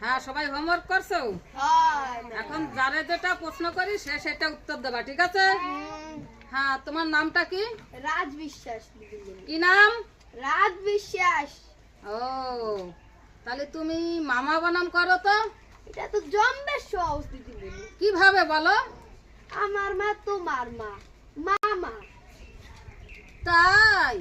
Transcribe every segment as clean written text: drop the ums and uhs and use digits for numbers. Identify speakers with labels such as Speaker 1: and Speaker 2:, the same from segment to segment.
Speaker 1: হ্যাঁ, সবাই হোমওয়ার্ক করছো? এখন যারে যেটা প্রশ্ন করি সে সেটা উত্তর দেবা, ঠিক আছে? হ্যাঁ, তোমার নামটা কি?
Speaker 2: রাজ বিশ্বাস।
Speaker 1: কি নাম?
Speaker 2: রাজ বিশ্বাস।
Speaker 1: ও, তাহলে তুমি মামা বানাম করো তো?
Speaker 2: এটা তো জম্বের সহজ দিদি।
Speaker 1: কিভাবে বলো?
Speaker 2: আমার মা তোমার মা, মামা।
Speaker 1: তাই?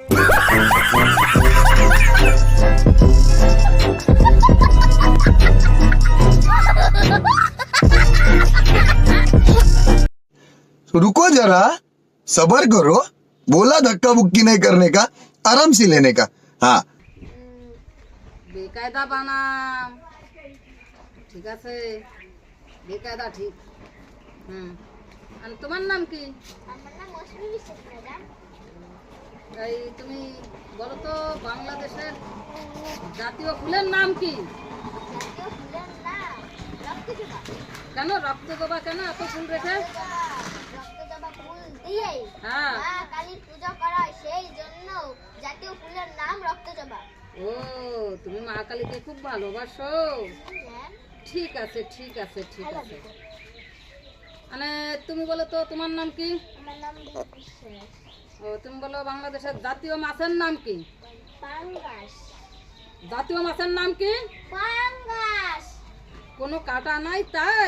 Speaker 3: रुको जरा, सबर करो। बोला धक्का बुक्की नहीं करने का, आराम से लेने का। हाँ,
Speaker 1: বেকায়দা বানাম, ঠিক আছে? বেকায়দা ঠিক। আর তোমার নাম কি?
Speaker 2: আমার নাম মৌসুমী বিশ্বাস ম্যাডাম।
Speaker 1: এই তুমি বলো তো, বাংলাদেশের জাতীয় ফুলের নাম কি?
Speaker 2: জাতীয় ফুলের নাম রক্তজবা।
Speaker 1: কেন রক্তজবা? কেন এত ফুল রেখে?
Speaker 2: রক্তজবা ফুল দিয়ে
Speaker 1: হ্যাঁ।
Speaker 2: মা কালীর পূজা করা হয়, সেই জন্য জাতীয় ফুলের নাম রক্তজবা।
Speaker 1: ও, তুমি মা কালীকে খুব ভালোবাসো। ঠিক আছে, ঠিক আছে, ঠিক আছে। মানে তুমি বলো তো, তোমার নাম কি?
Speaker 2: আমার নাম দীপ বিশ্বাস।
Speaker 1: ও, তুমি বলো বাংলাদেশের জাতীয় মাছের নাম কি?
Speaker 2: পাঙ্গাস।
Speaker 1: জাতীয় মাছের নাম কি?
Speaker 2: পাঙ্গাস।
Speaker 1: কোনো কাটা নাই তাই?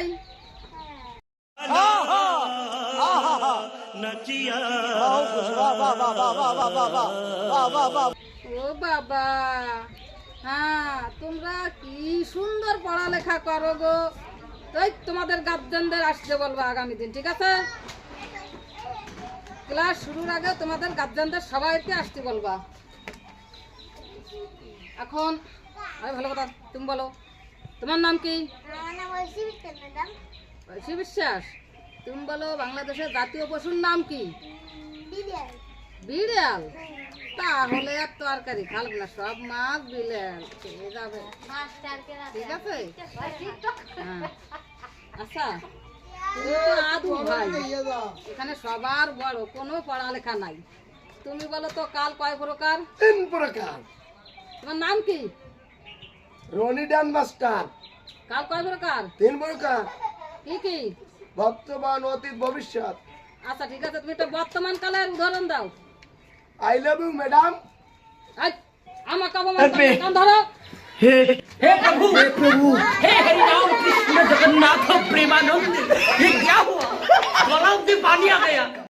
Speaker 1: ও বাবা, হ্যাঁ, তোমরা কি সুন্দর পড়ালেখা করো গো। তাই তোমাদের গার্জেনদের আসতে বলবো আগামী দিন, ঠিক আছে? ক্লাস শুরুর আগে তোমাদের গার্জেনদের সবাইকে আসতে বলবা। এখন আরে ভালো কথা, তুমি বলো তোমার নাম কি?
Speaker 2: আমার নাম ঐশী বিশ্বাস ম্যাডাম।
Speaker 1: ঐশী বিশ্বাস। তুমি বলো বাংলাদেশের জাতীয় পশুর নাম কি?
Speaker 2: বিড়াল।
Speaker 1: বিড়াল? তাহলে আর তরকারি খালব না, সব মাছ বিড়াল খেয়ে যাবে, ঠিক আছে? হ্যাঁ। আচ্ছা, তুমি তো আদু ভাই, এখানে সবার বড়, কোনো পড়ালেখা নাই। তুমি বলো তো, কাল কয় প্রকার?
Speaker 4: 3 প্রকার।
Speaker 1: তোমার নাম কি?
Speaker 4: রনি ডান মাস্টার।
Speaker 1: কাল কয় প্রকার?
Speaker 4: 3 প্রকার।
Speaker 1: কি কি?
Speaker 4: বর্তমান, অতীত, ভবিষ্যৎ।
Speaker 1: আচ্ছা, ঠিক আছে, তুমি একটা বর্তমান কালের উদাহরণ দাও।
Speaker 4: I love you madam.
Speaker 1: এই, আমাকে অপমান করো, কান ধরো।
Speaker 5: हे प्रभु हे हरि राम कृष्ण जगन्नाथ प्रेमानंद, ये क्या हुआ? गलाव से पानी आ गया।